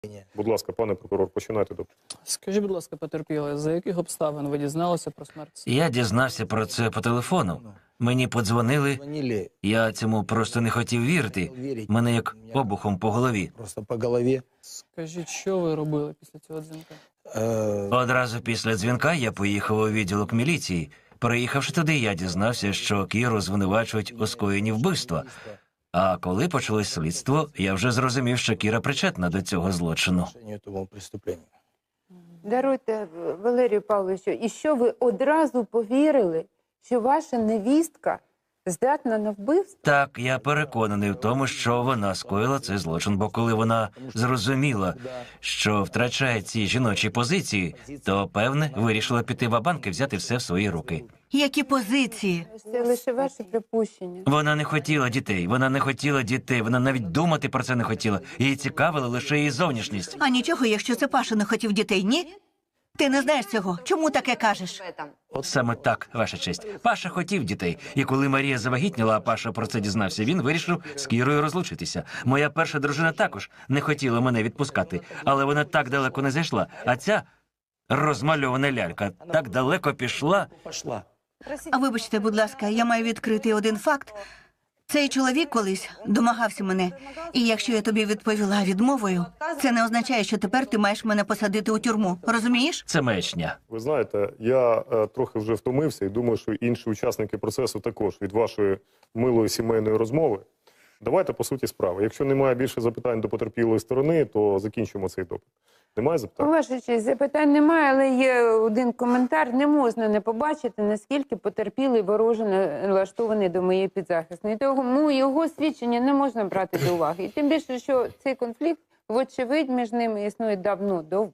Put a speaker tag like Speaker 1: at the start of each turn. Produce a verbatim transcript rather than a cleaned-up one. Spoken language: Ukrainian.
Speaker 1: Будь ласка, пане прокурор, починайте допит.
Speaker 2: Скажіть, будь ласка, потерпілий, за яких обставин ви дізналися про смерть?
Speaker 3: Я дізнався про це по телефону. Мені подзвонили, я цьому просто не хотів вірити. Мене як обухом по голові.
Speaker 4: Просто по голові.
Speaker 2: Скажіть, що ви робили після цього дзвінка?
Speaker 3: Одразу після дзвінка я поїхав у відділок міліції. Приїхавши туди, я дізнався, що Кіру звинувачують у скоєнні вбивства. А коли почалось слідство, я вже зрозумів, що Кіра причетна до цього злочину.
Speaker 5: Даруйте, Валерію Павловичу, і що ви одразу повірили, що ваша невістка здатна на вбивство?
Speaker 3: Так, я переконаний в тому, що вона скоїла цей злочин, бо коли вона зрозуміла, що втрачає ці жіночі позиції, то, певне, вирішила піти ва-банк і взяти все в свої руки.
Speaker 6: Які позиції?
Speaker 5: Це лише ваше припущення.
Speaker 3: Вона не хотіла дітей, вона не хотіла дітей, вона навіть думати про це не хотіла. Її цікавила лише її зовнішність.
Speaker 6: А нічого, якщо це Паша не хотів дітей, ні? Ти не знаєш цього. Чому таке кажеш?
Speaker 3: От саме так, ваша честь. Паша хотів дітей. І коли Марія завагітніла, а Паша про це дізнався, він вирішив з Кірою розлучитися. Моя перша дружина також не хотіла мене відпускати, але вона так далеко не зайшла. А ця розмальована лялька так далеко пішла.
Speaker 6: А вибачте, будь ласка, я маю відкрити один факт. Цей чоловік колись домагався мене. І якщо я тобі відповіла відмовою, це не означає, що тепер ти маєш мене посадити у тюрму. Розумієш?
Speaker 3: Це маячня.
Speaker 1: Ви знаєте, я е, трохи вже втомився і думаю, що інші учасники процесу також від вашої милої сімейної розмови. Давайте по суті справи. Якщо немає більше запитань до потерпілої сторони, то закінчимо цей допит. Немає запитань?
Speaker 5: Ваша честь, запитань немає, але є один коментар. Не можна не побачити, наскільки потерпілий вороже налаштований до моєї підзахисної. Тому його свідчення не можна брати до уваги. І тим більше, що цей конфлікт, вочевидь, між ними існує давно, довго.